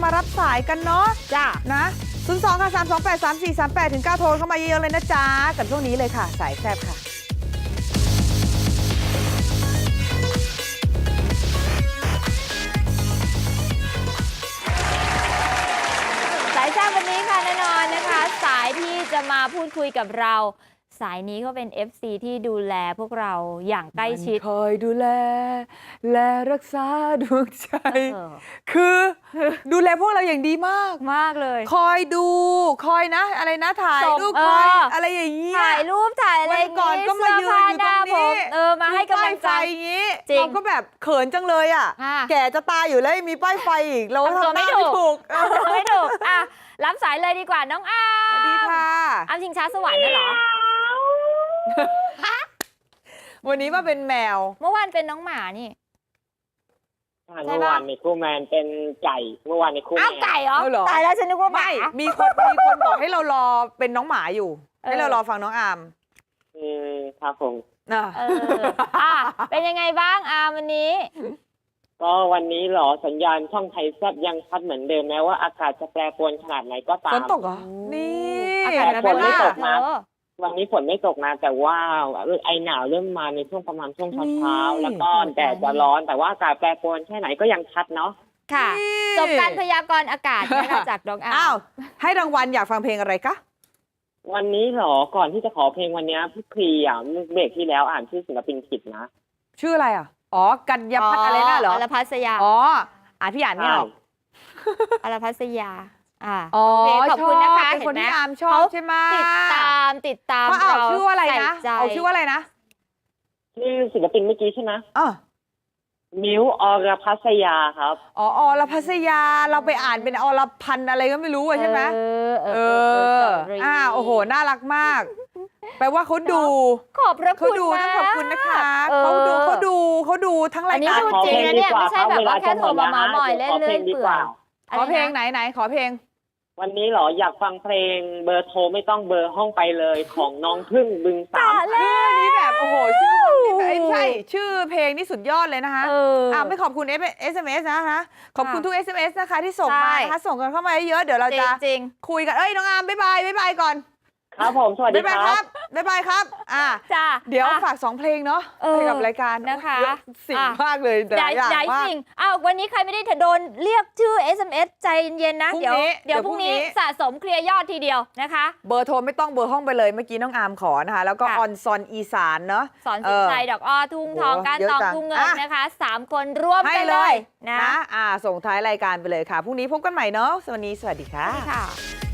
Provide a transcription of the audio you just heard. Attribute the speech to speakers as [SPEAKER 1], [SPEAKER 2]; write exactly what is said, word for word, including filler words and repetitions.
[SPEAKER 1] มารับสายกันเนาะ
[SPEAKER 2] จ้า
[SPEAKER 1] นะศูนย์ สอง ค่ะ สาม สอง แปด สาม สี่ สาม แปด ถึง เก้า โทรเข้ามาเยอะๆเลยนะจ๊ะกับช่วงนี้เลยค่ะสายแซ่บค่ะ
[SPEAKER 2] สายแซ่บวันนี้ค่ะแน่นอนนะคะ สายที่จะมาพูดคุยกับเราสายนี้ก็เป็น เอฟ ซี ที่ดูแลพวกเราอย่างใกล้ชิด
[SPEAKER 1] คอยดูแลและรักษาดวงใจ
[SPEAKER 2] เออ
[SPEAKER 1] คือดูแลพวกเราอย่างดีมาก
[SPEAKER 2] มากเลย
[SPEAKER 1] คอยดูคอยนะ อะไรนะถ่าย
[SPEAKER 2] ส่ง
[SPEAKER 1] รูป
[SPEAKER 2] เออ
[SPEAKER 1] คอยอะไรอย่างเงี้ย
[SPEAKER 2] ถ่ายรูปถ่ายอะไร
[SPEAKER 1] วันก่อนก็มายืนอยู่ตรงนี้
[SPEAKER 2] เออมาให้กำลังใจ
[SPEAKER 1] ป้ายไฟอย่างงี้
[SPEAKER 2] จริง
[SPEAKER 1] เราก็แบบเขินจังเลยอ่ะ
[SPEAKER 2] อ่ะ
[SPEAKER 1] แก่จะตายอยู่แล้วยังมีป้ายไฟอีกเรา
[SPEAKER 2] ทำตัว
[SPEAKER 1] ทำห
[SPEAKER 2] ไม่
[SPEAKER 1] น้า
[SPEAKER 2] ถู
[SPEAKER 1] ไม่
[SPEAKER 2] ก
[SPEAKER 1] ถูก
[SPEAKER 2] ทำตัวไม่ถูกอ่ะรับสายเลยดีกว่าน้องอา
[SPEAKER 1] สวัสดีค่ะ
[SPEAKER 2] อามชิงช้าสวรรค์น่ะเหรอ
[SPEAKER 1] วันนี้มาเป็นแมว
[SPEAKER 2] เมื่อวานเป็นน้องหมานี่ ใช่
[SPEAKER 3] เมื่อ
[SPEAKER 2] ปะ
[SPEAKER 3] วานในคู่แมนเป็นไก่ เมื่อวานในคู่แม
[SPEAKER 2] อ้าวน ไก่เหรอ
[SPEAKER 1] เอาเหรอ
[SPEAKER 2] ตายแล้วฉันนึกว่าห
[SPEAKER 1] ไม่
[SPEAKER 2] มา
[SPEAKER 1] มีคนมีคนบอกให้เรารอเป็นน้องหมาอยู่
[SPEAKER 2] เออ
[SPEAKER 1] ให้เรารอฟังน้องอาม
[SPEAKER 3] อืมครับผม
[SPEAKER 1] อ่ะ
[SPEAKER 2] เอออ่ะเป็นยังไงบ้างอามวันนี้
[SPEAKER 3] ก็วันนี้เหรอสัญญาณช่องไทยแซบยังชัดเหมือนเดิมแม้ว่าอากาศจะแปรปรวนขนาดไหนก็ตา
[SPEAKER 1] ฝ
[SPEAKER 3] ม
[SPEAKER 1] นตกเหรอ นี่
[SPEAKER 2] อากาศ
[SPEAKER 3] แต่
[SPEAKER 2] จะ
[SPEAKER 3] ฝ
[SPEAKER 2] เป็น น
[SPEAKER 3] ไม่
[SPEAKER 2] ไม่
[SPEAKER 3] ต
[SPEAKER 2] ต
[SPEAKER 3] ก
[SPEAKER 2] ก
[SPEAKER 3] นะ
[SPEAKER 2] เออ
[SPEAKER 3] วันนี้ฝนไม่ตกนะแต่ว่าไอหนาวเริ่มมาในช่วงประมาณช่วง
[SPEAKER 1] นี่
[SPEAKER 3] เช้าๆแล้วก็แดดจะร้อนแต่ว่าอากาศแปรปรวนแค่ไหนก็ยังชัดเนาะ
[SPEAKER 2] ค่ะ
[SPEAKER 1] นี่
[SPEAKER 2] จบการพยากรณ์อากาศนะคะจากน้องอา
[SPEAKER 1] อ้าว
[SPEAKER 2] ม
[SPEAKER 1] ให้รางวัลอยากฟังเพลงอะไรคะ
[SPEAKER 3] วันนี้เหรอก่อนที่จะขอเพลงวันนี้พี่ครีอ่ะเบรกที่แล้วอ่านชื่อศิลปินผิดนะ
[SPEAKER 1] ชื่ออะไรอ่ะ อ๋อ กัญญาพัฒน์อะไรน่ะเหรอ
[SPEAKER 2] อรพัสยา
[SPEAKER 1] อ๋อ อ่านพี่อ่านไม่ออก
[SPEAKER 2] อรพัสยาอ่า
[SPEAKER 1] อ๋อ
[SPEAKER 2] โอเคขอบคุณนะคะ
[SPEAKER 1] ชเป็นคน
[SPEAKER 2] เห็นไหม
[SPEAKER 1] ที่อามชอบใช่ไหม
[SPEAKER 2] ติดตามติดตาม
[SPEAKER 1] เขาเอา
[SPEAKER 2] เรา
[SPEAKER 1] ชื่อว่าอะไรนะ
[SPEAKER 2] ใส่ใจ
[SPEAKER 1] เอาชื่อว่าอะไรนะ
[SPEAKER 3] ชื่อศิลปินเมื่อกี้ใช่ไหม
[SPEAKER 1] อ๋อ
[SPEAKER 3] มิวอรพัสยาครับ
[SPEAKER 1] อ๋ออรพัสยา เราไปอ่านเป็นอรพันธ์อะไรก็ไม่รู้อะใช่ไหม
[SPEAKER 2] เออเอ
[SPEAKER 1] เอ
[SPEAKER 2] อ
[SPEAKER 1] อ
[SPEAKER 2] เออ
[SPEAKER 1] อ่า โอ้โห น่ารักมาก แปลว่าเขาดู
[SPEAKER 2] ขอบพระ
[SPEAKER 1] เขา
[SPEAKER 2] คุณ
[SPEAKER 1] ดู
[SPEAKER 2] มาก
[SPEAKER 1] ต้องขอบคุณนะคะ
[SPEAKER 2] ออ
[SPEAKER 1] เขาดูเขาดูเขาดูทั้งรา
[SPEAKER 2] อั
[SPEAKER 1] ย
[SPEAKER 2] นนี้
[SPEAKER 1] การ
[SPEAKER 2] ดูจริงนะเนี่ยไม่ใช่แบบว่าแค่โทรมาเมาส์มอยเล่น
[SPEAKER 3] ขอ
[SPEAKER 2] เรื่
[SPEAKER 3] เพล
[SPEAKER 2] อย
[SPEAKER 3] งดี
[SPEAKER 2] เปื่
[SPEAKER 3] ก
[SPEAKER 2] อ
[SPEAKER 3] ว่า
[SPEAKER 2] ย
[SPEAKER 1] ขอเพลง
[SPEAKER 2] ะ
[SPEAKER 1] ไหน
[SPEAKER 2] ไรนะ
[SPEAKER 1] ไหนขอเพลง
[SPEAKER 3] วันนี้เหรออยากฟังเพลงเบอร์โทรไม่ต้องเบอร์ห้องไปเลยของน้องพึ่งบึงสาม
[SPEAKER 2] ตายแล้ว
[SPEAKER 1] นี่แบบโอ้โหชื่อนี่แบบใช่ชื่อเพลงนี่สุดยอดเลยนะคะ
[SPEAKER 2] เอออ่
[SPEAKER 1] าไม่ขอบคุณ เอส เอ็ม เอส นะคะขอบคุณ
[SPEAKER 2] ค่ะ
[SPEAKER 1] ทุก เอส เอ็ม เอส นะคะที่ส่ง
[SPEAKER 2] ใช่
[SPEAKER 1] มานะคะส่งกันเข้ามาเยอะๆเดี๋ยวเรา
[SPEAKER 2] จริ
[SPEAKER 1] จะ
[SPEAKER 2] งจริง
[SPEAKER 1] คุยกันเอ้ยน้องอามบ๊ายบายบ๊ายบายก่อน
[SPEAKER 3] ครับผมสวัสดี
[SPEAKER 1] บ๊ายบาย
[SPEAKER 3] ค
[SPEAKER 1] ค
[SPEAKER 3] รั
[SPEAKER 1] รับ บบ๊ายบายครับอ่า
[SPEAKER 2] จ้า
[SPEAKER 1] เดี๋ยว
[SPEAKER 2] อ่ะ
[SPEAKER 1] ฝากสองเพลงเนาะ
[SPEAKER 2] เออ
[SPEAKER 1] ให้กับรายการ
[SPEAKER 2] นะคะ
[SPEAKER 1] เยอสิ่ง
[SPEAKER 2] อ่ะ
[SPEAKER 1] มากเลยแต่
[SPEAKER 2] ใหญ่
[SPEAKER 1] ละอย่าง
[SPEAKER 2] ใหญ่
[SPEAKER 1] มาก
[SPEAKER 2] จริงอ้าววันนี้ใครไม่ได้โดนเรียกชื่อ เอส เอ็ม เอส ใจเย็นๆนะ
[SPEAKER 1] พรุ่ง
[SPEAKER 2] เดี๋ยว
[SPEAKER 1] นี้
[SPEAKER 2] เดี๋ยว
[SPEAKER 1] เดี๋ยว
[SPEAKER 2] พรุ่งนี้
[SPEAKER 1] พรุ่งนี้
[SPEAKER 2] สะสมเคลียร์ยอดทีเดียวนะคะ
[SPEAKER 1] เบอร์โทรไม่ต้องเบอร์ห้องไปเลยเมื่อกี้น้องอามขอนะคะแล้วก็
[SPEAKER 2] ค่ะ
[SPEAKER 1] ออนซอนอีสานเนาะ
[SPEAKER 2] สอนสินชัยดอกอ้อทุ่งทอง
[SPEAKER 1] โอ้
[SPEAKER 2] การ
[SPEAKER 1] เยอะ
[SPEAKER 2] ตอง
[SPEAKER 1] จัง
[SPEAKER 2] ทุ่งเงิน
[SPEAKER 1] อ่ะ
[SPEAKER 2] นะคะสามคนร่วม
[SPEAKER 1] ให้
[SPEAKER 2] กัน
[SPEAKER 1] เล
[SPEAKER 2] เลย ยนะ
[SPEAKER 1] นะอ่าส่งท้ายรายการไปเลยค่ะพรุ่งนี้พบกันใหม่เนาะสวัสดีสวัสดีค่ะ
[SPEAKER 2] ค่ะ